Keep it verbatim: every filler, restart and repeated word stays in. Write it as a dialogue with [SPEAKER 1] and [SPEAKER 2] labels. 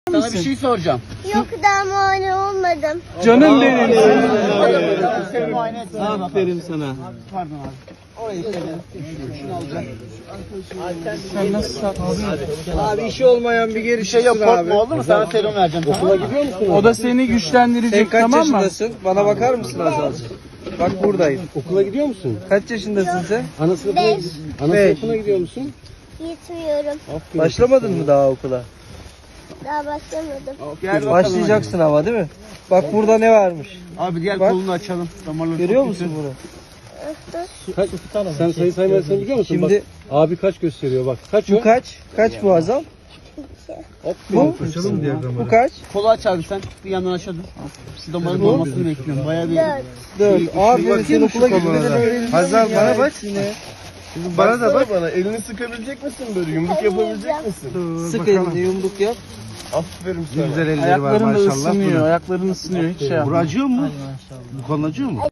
[SPEAKER 1] Sana bir şey soracağım.
[SPEAKER 2] Yok daha muayene olmadım.
[SPEAKER 3] Canım benim.
[SPEAKER 1] Seni muayene etsin.
[SPEAKER 3] Aferin sana.
[SPEAKER 1] Pardon abi. Orayı söyle. Şunu alacağım.
[SPEAKER 3] Sen nasıl saklısın?
[SPEAKER 4] Abi işi olmayan bir geri
[SPEAKER 1] Bir şey yok,
[SPEAKER 4] çıksın
[SPEAKER 1] korkma oldu mu? Sana serum vereceğim. Okula gidiyor musun?
[SPEAKER 3] O da seni
[SPEAKER 4] Sen
[SPEAKER 3] güçlendirecek,
[SPEAKER 4] kaç
[SPEAKER 3] tamam mı?
[SPEAKER 4] yaşındasın? Bana bakar mısın Azal? Bak buradayım.
[SPEAKER 5] Okula gidiyor musun?
[SPEAKER 4] Kaç yaşındasın sen?
[SPEAKER 5] Ana sınıfına,
[SPEAKER 2] Beş.
[SPEAKER 5] ana
[SPEAKER 4] Beş.
[SPEAKER 5] sınıfına gidiyor musun?
[SPEAKER 2] Gitmiyorum.
[SPEAKER 4] Başlamadın mı daha okula?
[SPEAKER 2] Daha başlamadım.
[SPEAKER 1] Gel bakalım.
[SPEAKER 4] Başlayacaksın ama değil mi? Bak burada ne varmış?
[SPEAKER 1] Abi diğer
[SPEAKER 4] Bak.
[SPEAKER 1] kolunu açalım. Damarları
[SPEAKER 4] Görüyor
[SPEAKER 1] çok
[SPEAKER 4] musun
[SPEAKER 1] kötü.
[SPEAKER 4] bunu?
[SPEAKER 5] Kaç, sen sayı saymasını biliyor musun?
[SPEAKER 4] Şimdi-
[SPEAKER 5] Bak, abi kaç gösteriyor bak. Kaç o?
[SPEAKER 4] Bu kaç? Kaç bu Azal? Bu? Bu kaç?
[SPEAKER 1] Kolu aç abi sen. Bir yandan aşağı dur. Şu damarın dolmasını bekliyorum. Bayağı bir...
[SPEAKER 2] Dört.
[SPEAKER 4] Dört. Aferin sen okula gitmeden öğrendin.
[SPEAKER 5] Hazal
[SPEAKER 4] ya.
[SPEAKER 5] bana bak.
[SPEAKER 4] Yine.
[SPEAKER 5] Bana da bak. Bana elini sıkabilecek misin böyle? Yumruk
[SPEAKER 2] yapabilecek
[SPEAKER 5] misin?
[SPEAKER 4] Sık elini yumruk yap.
[SPEAKER 5] Aferin sana.
[SPEAKER 3] Ayakların da ısınıyor, ayakların ısınıyor. Hiç şey yapma.
[SPEAKER 5] acıyor mu? Bu kan acıyor mu?